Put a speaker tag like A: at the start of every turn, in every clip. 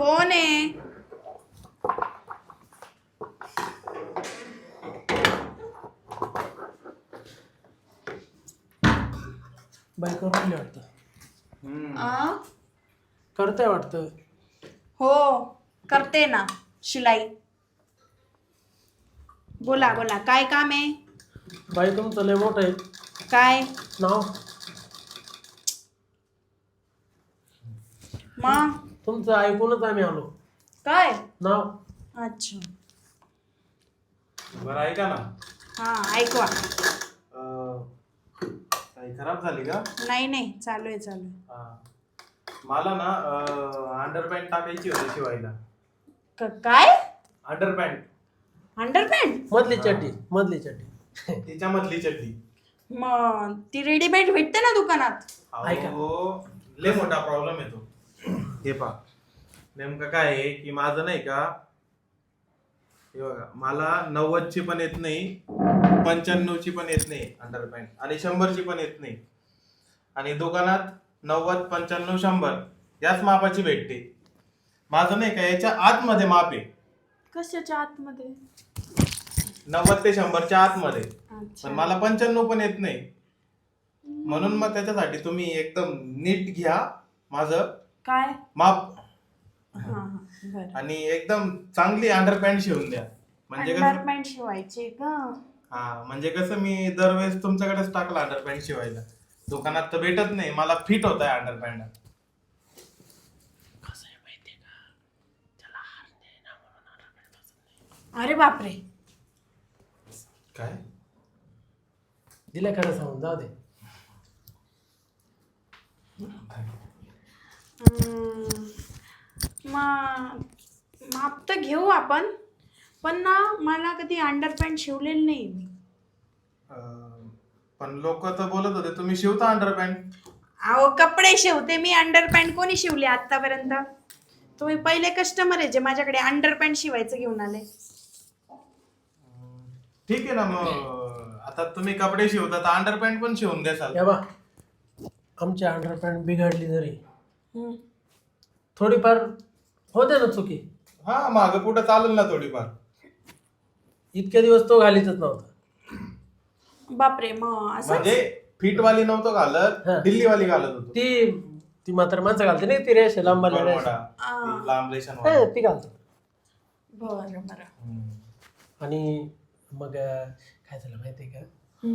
A: कोण आहे?
B: बाई करून राहिली वाटतं.
A: आ?
B: करते वाटतं.
A: हो करते ना शिलाई. बोला बोला काय काम आहे?
B: बाई तुमचं लय मोठं आहे
A: काय
B: नाव.
A: मग
B: तुमचं ऐकूनच आम्ही आलो.
A: काय?
B: नाव.
A: अच्छा
C: बरं ऐका ना.
A: हा ऐकवा.
C: काही खराब झाली का?
A: नाही नाही चालू आहे चालू आहे.
C: हा. मला ना अंडरपॅन्ट टाकायची होती शिवायला.
A: काय
C: अंडरपॅन्ट
A: अंडरपॅन्ट?
B: मधली चड्डी मधली चड्डी.
C: तिच्या मधली चड्डी.
A: मग ती रेडीमेड भेटते ना दुकानात.
B: ऐका.
C: अहो लय मोठा प्रॉब्लेम येतो. हे पहा नेमकं काय आहे की माझं नाही का, हे बघा मला 90 ची पण येत नाही, 95 ची पण येत नाही अंडरपॅन्ट, आणि 100 ची पण येत नाही. आणि दुकानात 90, 95, 100 याच मापाची भेटते. माझं नाही का याच्या आतमध्ये माप आहे.
A: कशाच्या आतमध्ये?
C: 90 ते 100 च्या आतमध्ये.
A: अच्छा.
C: पण मला 95 पण येत नाही. म्हणून मग त्याच्यासाठी तुम्ही एकदम नीट घ्या माझं
A: काय?
C: माप
A: हा हा बरं.
C: आणि एकदम चांगली अंडरपॅन्ट शिवून द्या. म्हणजे कसं,
A: अंडरपॅन्ट शिवायची का?
C: हा म्हणजे कसं मी दरवेळेस तुमच्याकडेच टाकला अंडरपॅन्ट शिवायला. दुकानात तर भेटत नाही, मला फिट होत आहे अंडरपॅन्ट.
B: कसं आहे माहितीये का, त्याला हार नाही ना म्हणून अंडरपॅन्ट पसंत नाही.
A: अरे बापरे.
C: काय
B: दिलं खरं सांगून जाऊ दे.
A: माप तर घेऊ आपण, पण ना मला कधी अंडरपॅन्ट शिवलेली नाही मी.
C: पण लोक तर बोलत होते तुम्ही शिवता अंडरपॅन्ट.
A: अहो कपडे शिवते मी, अंडरपॅन्ट कोणी शिवले आतापर्यंत? तुम्ही पहिले कस्टमर आहे जे माझ्याकडे अंडरपॅन्ट शिवायचं घेऊन आले.
C: ठीक आहे ना, मग आता तुम्ही कपडे शिवता तर अंडरपॅन्ट पण शिवून द्याल.
B: या बा, आमची अंडरपॅन्ट बिघडली जरी थोडीफार होते ना चुकी.
C: हा मागं पुढं चालेल ना थोडीफार.
B: इतके दिवस तो घालीतच नव्हता.
A: बापरे. मग असं
C: म्हणजे फिट वाली नव्हतं घालत,
B: हा.
C: दिल्ली वाली घालत होतो.
B: ती मात्र माणसं घालते नाही, ती रेष लांबल्या रेष.
C: बरमुडा, ती लांब रेषांवाली.
B: हा, ती घालतो.
A: बरं बरं.
B: आणि मग काय झालं माहितीये का,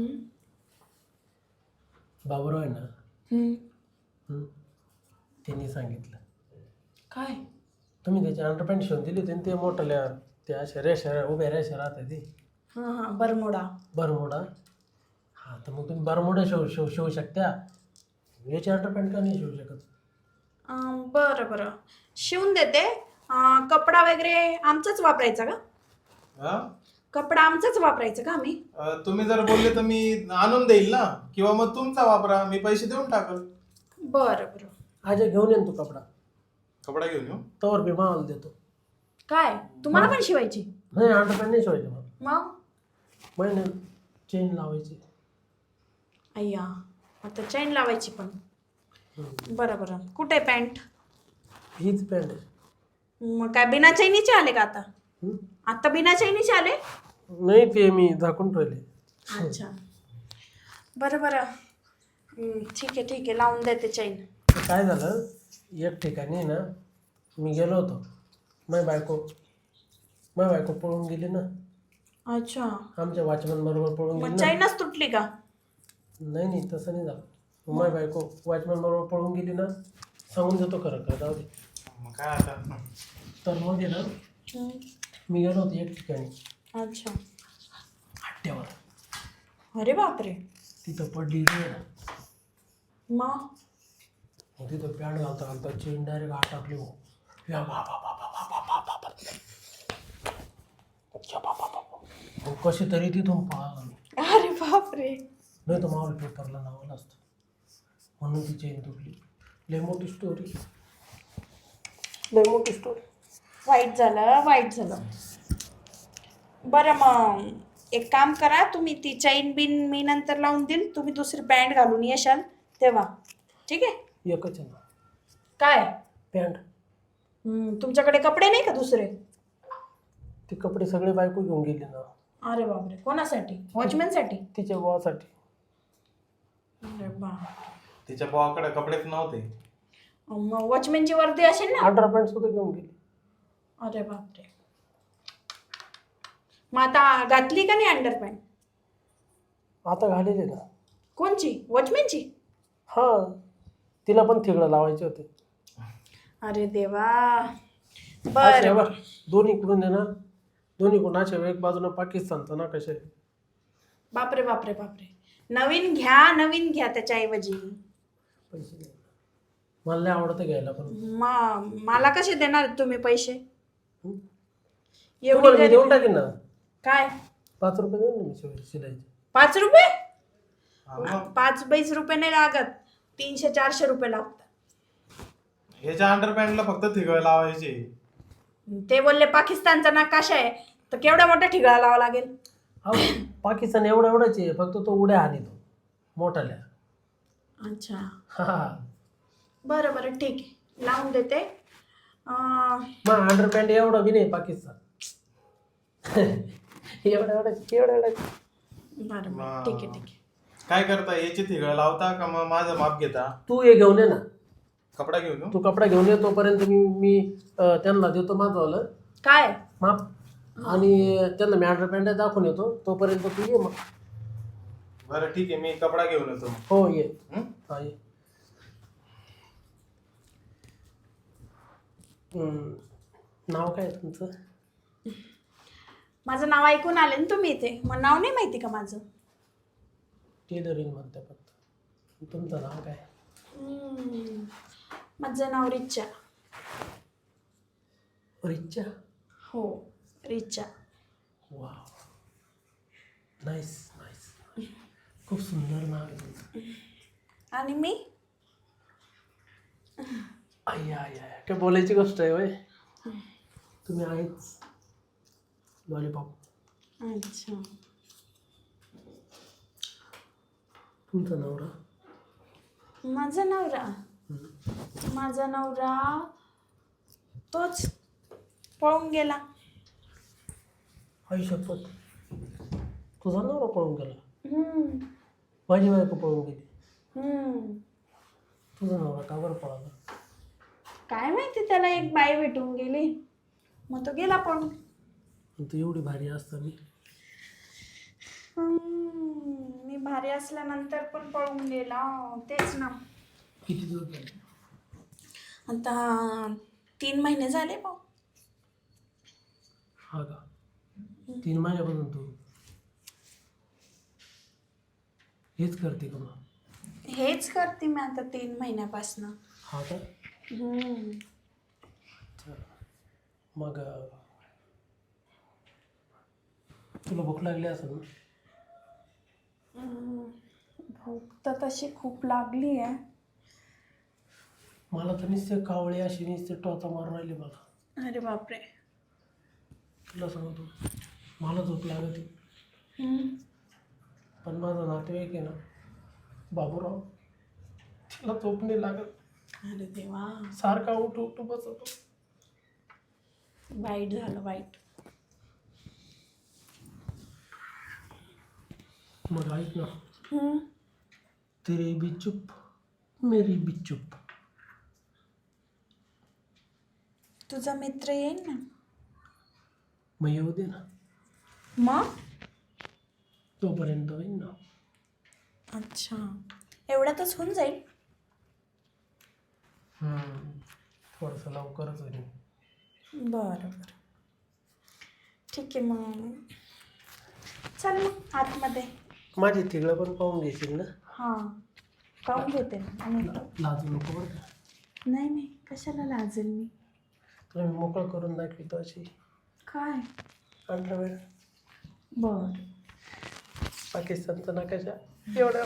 B: बाबूराव आहे ना, त्यांनी सांगितलं
A: काय?
B: तुम्ही त्याची अंडरपॅन्ट शिवून दिली होती, ते मोठ्या त्या अशा रेषा उभ्या रेषा राहते ती
A: हा हा बरमुडा.
B: बरमुडा. हा तर मग तुम्ही बरमुडा शिवू शकता, याची अंडरपॅन्ट का नाही शिवू शकत?
A: बरं बरं शिवून देते. कपडा वगैरे आमचाच वापरायचा का?
C: हा?
A: कपडा आमचाच वापरायचा का आम्ही?
C: तुम्ही जर बोलले तर मी आणून देईल ना, किंवा मग तुमचा वापरा, मी पैसे देऊन टाकल.
A: बरं बरं.
B: आज घेऊन येईन तू कपडा,
C: कपडा घेऊन येऊ.
B: तोवर बी मावाला देतो.
A: काय तुम्हाला पण शिवायची?
B: नाही, अंडरपॅन्ट नाही शिवायची मला.
A: मग
B: महिने चेन लावायची.
A: अय्या आता चैन लावायची पण. बरं बरं. कुठे पॅन्ट?
B: हीच पॅन्ट आहे.
A: मग काय बिना चैनीचे आले का आता? आता बिना चैनीचे आले?
B: नाही, ते मी झाकून ठेवले.
A: अच्छा बरं बरं. ठीक आहे लावून देते चैन.
B: तर काय झालं, एक ठिकाणी ना मी गेलो होतो, माझी बायको पळून गेली ना.
A: अच्छा.
B: आमच्या वॉचमन बरोबर पळून
A: मग
B: गेली ना.
A: चैनच तुटली का?
B: नाही तसं नाही झालं. माझी बायको वॉचमन बरोबर पळून गेली ना, सांगून देतो खरं खरं, जाऊ दे.
C: मग काय आता.
B: तर मग आहे ना, मी गेलो होतो एक ठिकाणी
A: अच्छा.
B: हट्ट्यावर.
A: अरे बापरे.
B: तिथं पडली रे.
A: मग
B: तिथं पॅन्ट घालता चेन डायरेक्ट आत टाकली. हो या मग कशी तरी तिथून पळाला मी.
A: अरे बापरे.
B: नाही तर मावळ पेपरला नावलं असतं, म्हणून ती चेन तुटली. लय मोठी स्टोरी.
A: वाईट झालं. बरं मग एक काम करा, तुम्ही ती चैन बिन मी नंतर लावून देईल, तुम्ही दुसरी पॅन्ट घालून येशाल तेव्हा. ठीक आहे?
B: एकच आहे ना
A: काय?
B: पॅन्ट.
A: तुमच्याकडे कपडे नाही का दुसरे?
B: ते कपडे सगळे बायको घेऊन गेली ना.
A: अरे बापरे, कोणासाठी? वॉचमॅनसाठी?
B: तिच्या भावासाठी.
A: अरे बा,
C: तिच्या भावाकडे कपडेच नव्हते.
A: मग वॉचमॅनची वर्दी असेल ना?
B: अंडरपॅन्ट सुद्धा घेऊन गेली.
A: अरे बापरे. मग आता घातली का नाही अंडरपॅन्ट?
B: आता घालेले ना.
A: कोणची? वॉचमॅनची?
B: हा, तिला पण थिगडं लावायचे होते.
A: अरे देवा.
B: अशा
A: बरं
B: बघ, दोन्हीकडून आहे ना, दोन्हीकडून अशा एक बाजूला पाकिस्तानचं ना कशा आहे.
A: बापरे बापरे बापरे. नवीन घ्या त्याच्याऐवजी.
B: पैसे नाही. मला नाही आवडतं घ्यायला पण.
A: मला कसे देणार तुम्ही पैसे?
B: तुम्हाला मी देऊन टाकेन ना.
A: काय?
B: 5 रुपये देऊन ना मी शिलाईचे.
A: 5 रुपये?
C: हा मग
A: 5-20 रुपये नाही लागत, 300-400 रुपये लागतात.
C: ह्याच्या अंडरपॅन्टला फक्त थिगळ लावायचे.
A: ते बोलले पाकिस्तानचा नकाशा आहे, तर केवढा मोठा ठिगळा लावा लागेल?
B: अहो, पाकिस्तान एवढाच आहे, फक्त तो उड्या हानीतो मोठाल्या.
A: अच्छा,
B: हा.
A: बरं बरं ठीक आहे, लावून देते.
B: मग अंडरपॅन्ट एवढा बी नाही पाकिस्तान. एवढाच.
A: बरं बरं ठीक आहे.
C: काय करता, याची थिगळ लावता का मग माझं माप घेता?
B: तू हे घेऊन ये ना.
C: कपडा घेऊन येऊ?
B: तू कपडा घेऊन ये, तोपर्यंत मी त्यांना देतो माझं
A: काय?
B: माप, आणि त्यांना मी अंडरपॅन्ट दाखवून येतो. तोपर्यंत तू ये मग.
C: बरं ठीक आहे, मी कपडा घेऊन येतो.
B: हो ये.
C: हं?
B: हा ये. नाव काय आहे तुमचं?
A: माझं नाव ऐकून आले ना तुम्ही इथे, मग नाव नाही माहिती का माझं?
B: टेलरिंग म्हणते फक्त. तुमचं नाव काय?
A: माझं नाव रिचा.
B: रिचा?
A: हो, रिचा.
B: वा, नाईस. खूप सुंदर नाव आहे तुमचं.
A: आणि मी?
B: आय काय बोलायची गोष्ट आहे होय. तुम्ही आहेच लॉलीपॉप.
A: अच्छा.
B: तुमचा नवरा?
A: माझा नवरा तोच पळून गेला.
B: आई शपथ, तुझा नवरा पळून गेला? माझी बायको पळून गेली. तुझा नवरा का बरं पळाला?
A: काय माहिती, त्याला एक बाई भेटून गेली, मग तो गेला पळून.
B: तू एवढी भारी असताना
A: मी भारी असल्यानंतर पण पळून गेला. तेच ना.
B: किती दिवस झाले?
A: आता 3 महिने झाले भाऊ.
B: हा का? 3 महिन्यापासून तू हेच करते का? मग
A: हेच करते मी आता 3 महिन्यापासून.
B: हा का? मग तुला भूक लागली असेल ना?
A: भूक तर तशी खूप लागली आहे.
B: मला तर नुसते कावळे अशी नुसते टोचा मारून राहिले मला.
A: अरे बापरे.
B: तुला सांगतो, मला झोप लागते, पण माझा नातेवाईक आहे ना बाबूराव, तिला झोप नाही लागत.
A: अरे देवा,
B: सारखा उठ बसतो.
A: वाईट झालं, वाईट.
B: मग ऐक ना, तेरी भी चुप मेरी भी चुप.
A: तुझा मित्र येईल ना?
B: मग येऊ दे ना,
A: मग?
B: तोपर्यंत होईल ना.
A: अच्छा, एवढ्यातच होऊन जाईल.
B: थोडंसं लवकरच होईल.
A: बरं ठीक आहे. मग चल मग आतमध्ये.
B: माझी तिघळं पण पाहून घेशील ना?
A: हां, पाहून घेते ना. आणि
B: लाजू नको बरं का.
A: नाही, कशाला लाजेल मी?
B: तुला मी मोकळं करून दाखवतो अशी.
A: काय?
B: अंडरवेअर.
A: बर.
B: पाकिस्तानचा नकाशा एवढा.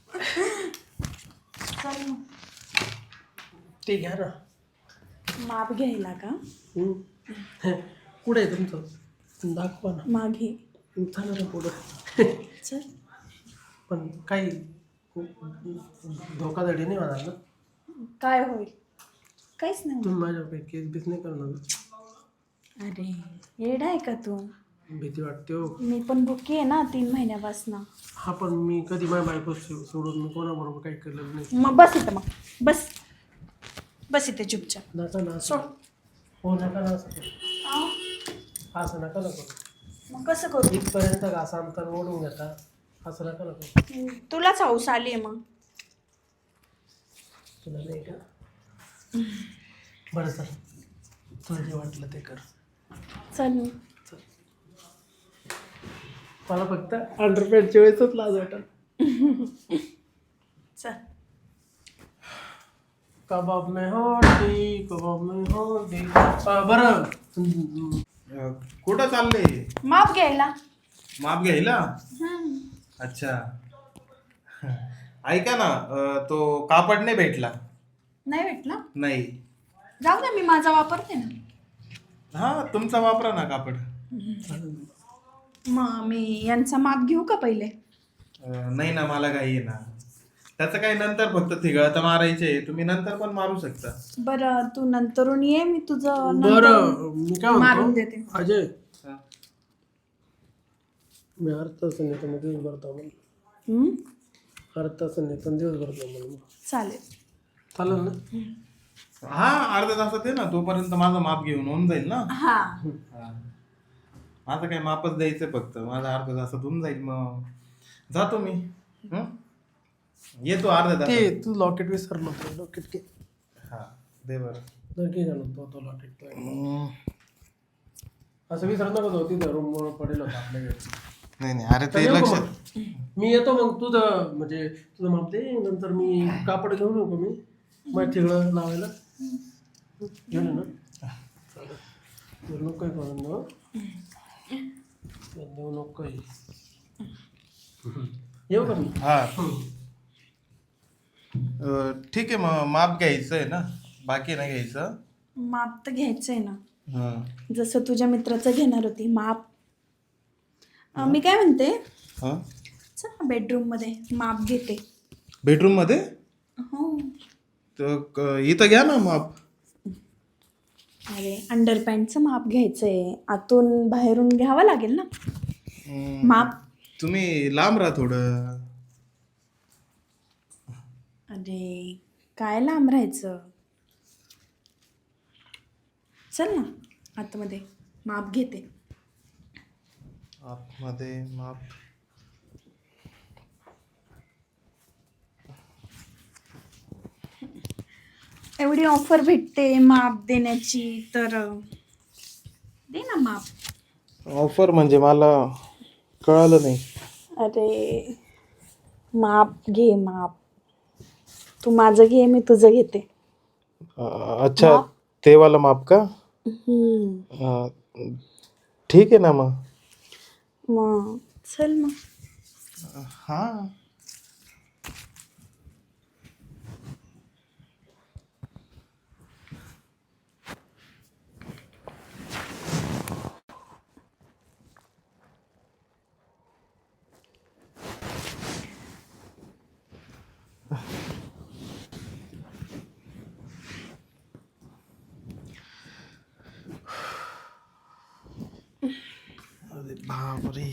A: चल मग.
B: ते घ्या ना.
A: माप घ्यायला का?
B: कुठे आहे तुमचं? दाखवा ना.
A: मागे.
B: चला ना पुढं.
A: चल.
B: पण काही धोकाधडी नाही होणार ना?
A: काय होईल? काहीच नाही
B: तुम्ही माझ्याकडे केस बीस नाही करणार ना?
A: होणार. अरे येडा आहे का तू?
B: भीती वाटते हो.
A: मी पण बुकी आहे ना 3 महिन्यापासून.
B: हा पण मी कधी माझ्या बायको सोडून मी कोणाबरोबर काही केलेलं नाही.
A: मग बस इथं, मग बस बस इथे चुपचाप.
B: नका ना
A: सोड.
B: हो नका ना असं करू. असं नका ना करू.
A: मग कसं करू?
B: इथपर्यंत घासा अंतर ओढून घेता, असं नका ना करू.
A: तुलाच हौस आली आहे मग.
B: तुला नाही का? बरं चल, तुला जे वाटलं ते कर.
A: चल.
B: मला फक्त अंडरपॅन्टच्या वेळेसच लाज वाटत.
A: चल.
B: कबाब में होती, कबाब में होती. बरं
C: कुठं चालले?
A: माप घ्यायला.
C: माप घ्यायला? अच्छा. ऐका ना, तो कापड नाही भेटला.
A: नाही भेटला?
C: नाही.
A: जाऊ दे, मी माझा वापरते ना.
C: हा तुमचा वापरा ना कापड.
A: मग मी यांचा माप घेऊ का पहिले?
C: नाही ना, मला काही आहे ना. त्याचं काही नंतर फक्त थिगळं तर मारायचे, तुम्ही नंतर पण मारू शकता.
A: बरं तू नंतरून ये, मी तुझं
B: बरं मी काय
A: मारून
B: म्हणतो
A: देते.
B: अजय,
C: हा.
B: मी अर्ध तास नेतो मग दिवसभर थांबून.
A: हम्म?
B: अर्ध तास नेतो दिवसभर थांबून.
A: चालेल.
B: चालेल ना?
C: हा अर्ध्या तासात आहे ना, तोपर्यंत माझं माप घेऊन होऊन जाईल ना.
A: हा.
C: हा. माझं काही मापच द्यायचंय फक्त, माझं अर्ध्या तासात होऊन जाईल. मग जातो मी. हं? येतो अर्ध्या
B: ते
C: तासात.
B: तू लॉकेट विसरलो होतो. लॉकेट के
C: हा दे बरं.
B: नक्की घालून तो लॉकेट असं विसरत नको जाऊ. तिथं रूमवर पडेल होता आपल्याकडे.
C: नाही नाही, अरे
B: तर
C: ते
B: येऊ का
C: लक्षात.
B: मग? मी येतो मग. तुझं म्हणजे तुझं माप दे, नंतर मी कापड घेऊन येऊ का? मी मग ठिगळं लावायला घेऊन ये ना. चालेल. नको करून देऊ. देऊ नको. येऊ का मी?
C: हा ठीक आहे, मग माप घ्यायचं आहे ना, बाकी नाही घ्यायचं.
A: माप तर घ्यायचंय ना,
C: हा.
A: जसं तुझ्या मित्राचं घेणार होती माप. मी काय म्हणते,
C: हा
A: चल ना बेडरूम मध्ये माप घेते.
C: बेडरूम मध्ये?
A: हो.
C: तर इथं घ्या ना माप.
A: अरे अंडरपॅन्टचं माप घ्यायचंय, आतून बाहेरून घ्यावं लागेल ना माप.
C: तुम्ही लांब राहा थोडं.
A: अरे काय लांब राहायचं. चल ना आतमध्ये माप घेते.
C: आतमध्ये माप?
A: एवढी ऑफर भेटते माप देण्याची, तर दे ना माप.
C: ऑफर म्हणजे मला कळालं नाही.
A: अरे माप घे माप. तू माझं घे, मी तुझं घेते.
C: अच्छा, ते वाला माप का? ठीक आहे ना मग.
A: मग चल मग.
C: हा अरे बापरे,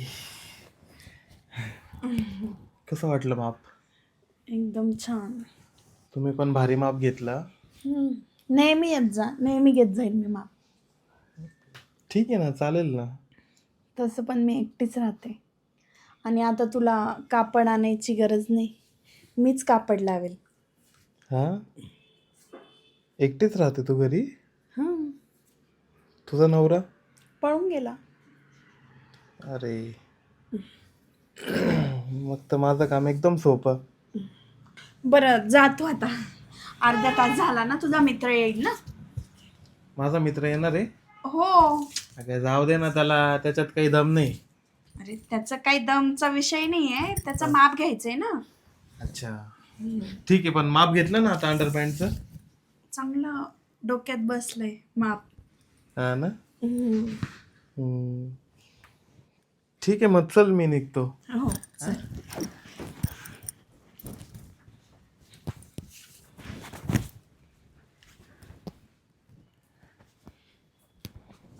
C: कसं वाटलं माप?
A: एकदम छान.
C: तुम्ही पण भारी माप घेतला.
A: नेहमी येत जा, नेहमी घेत जाईल मी माप.
C: ठीक आहे ना, चालेल ना.
A: तसं पण मी एकटीच राहते, आणि आता तुला कापड आणायची गरज नाही, मीच कापड लावेल.
C: हा एकटीच राहते तू घरी?
A: हां.
C: तुझा नवरा?
A: पळून गेला.
C: अरे मग तर माझं काम एकदम सोपं.
A: बरं जातो आता, अर्धा तास झाला ना, तुझा मित्र येईल ना.
C: माझा मित्र येणार आहे?
A: हो.
C: अगं जाऊ दे ना, त्याला त्याच्यात काही दम नाही.
A: अरे त्याचा काही दमचा विषय नाही आहे, त्याचं माप घ्यायचंय ना.
C: अच्छा ठीक आहे, पण माप घेतलं ना आता अंडरपॅन्टचं?
A: चांगलं डोक्यात बसलंय माप.
C: हा ना. ठीक आहे, मग चल मी निघतो.
A: हो चल.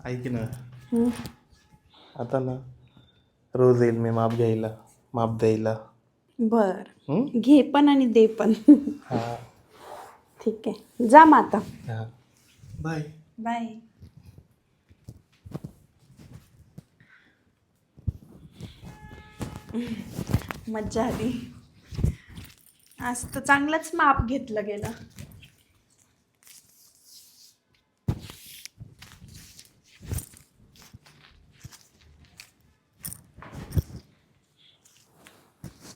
C: ऐक ना,
A: हं.
C: आता ना रोज येईल मी माप घ्यायला, माप द्यायला.
A: बर
C: हं?
A: घे पण आणि दे पण.
C: हा
A: ठीक आहे, जा मग आता.
C: हा. बाय.
A: बाय. मज्जा आली. आज तर चांगलंच माप घेतलं गेलं.